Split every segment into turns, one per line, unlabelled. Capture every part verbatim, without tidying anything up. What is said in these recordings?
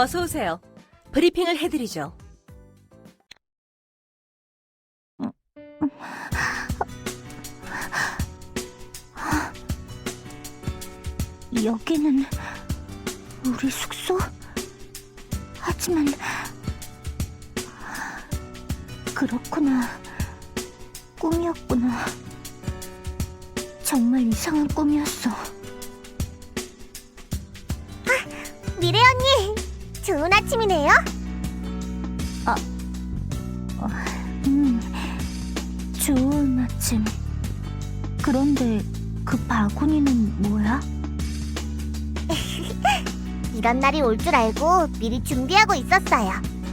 어서 오세요. 브리핑을 해드리죠.
여기는 우리 숙소? 하지만 그렇구나. 꿈이었구나. 정말 이상한 꿈이었어. 아, 미래 언니! 좋은 아침이네요? 아, 어, 음, 좋은 아침. 그런데 그 바구니는 뭐야? 이런 날이 올 줄 알고 미리 준비하고 있었어요.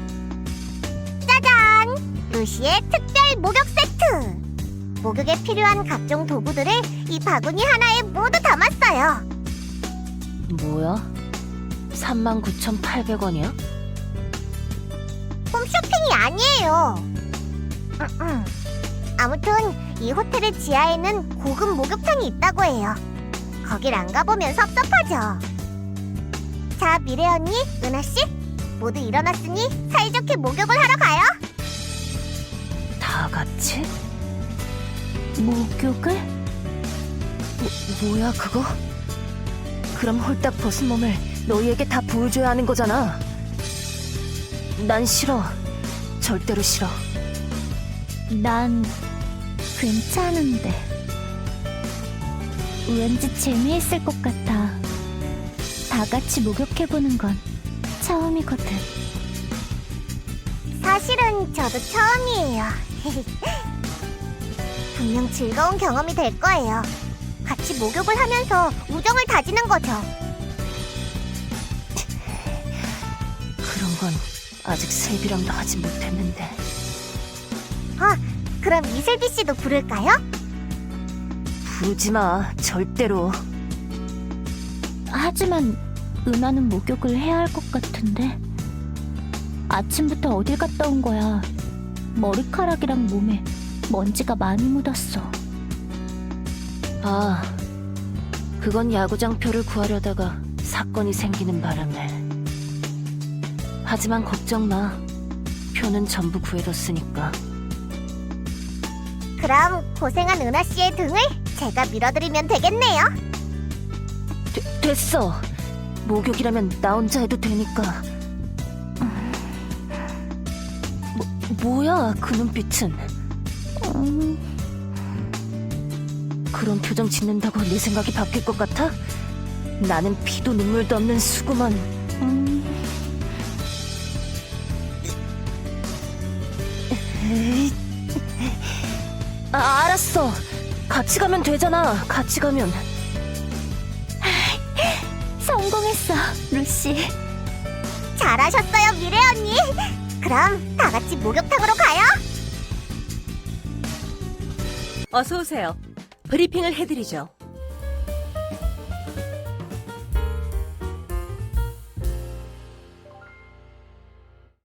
짜잔! 루시의 특별 목욕 세트! 목욕에 필요한 각종 도구들을 이 바구니 하나에 모두 담았어요.
뭐야? 삼만 구천팔백 원이야?
홈쇼핑이 아니에요. 음, 음. 아무튼 이 호텔의 지하에는 고급 목욕탕이 있다고 해요. 거길 안 가보면 섭섭하죠. 자, 미래 언니, 은하 씨, 모두 일어났으니 사이좋게 목욕을 하러 가요.
다 같이?
목욕을?
뭐, 뭐야 그거? 그럼 홀딱 벗은 몸을 너희에게 다 보여줘야 하는 거잖아. 난 싫어. 절대로 싫어.
난 괜찮은데. 왠지 재미있을 것 같아. 다 같이 목욕해보는 건 처음이거든. 사실은 저도 처음이에요. 분명 즐거운 경험이 될 거예요. 같이 목욕을 하면서 우정을 다지는 거죠.
그런 건 아직 세비랑도 하지 못했는데.
아, 그럼 이슬비 씨도 부를까요?
부르지 마. 절대로.
하지만 은하는 목욕을 해야 할 것 같은데. 아침부터 어딜 갔다 온 거야. 머리카락이랑 몸에 먼지가 많이 묻었어.
아, 그건 야구장 표를 구하려다가 사건이 생기는 바람에. 하지만 걱정 마. 표는 전부 구해뒀으니까.
그럼 고생한 은하 씨의 등을 제가 밀어드리면 되겠네요.
되, 됐어. 목욕이라면 나 혼자 해도 되니까. 뭐, 뭐야 그 눈빛은.
음...
그런 표정 짓는다고 내 생각이 바뀔 것 같아? 나는 피도 눈물도 없는 수구만.
음...
에이. 아, 알았어. 같이 가면 되잖아. 같이 가면.
성공했어, 루시. 잘하셨어요, 미래 언니. 그럼 다 같이 목욕탕으로 가요.
어서 오세요. 브리핑을 해드리죠.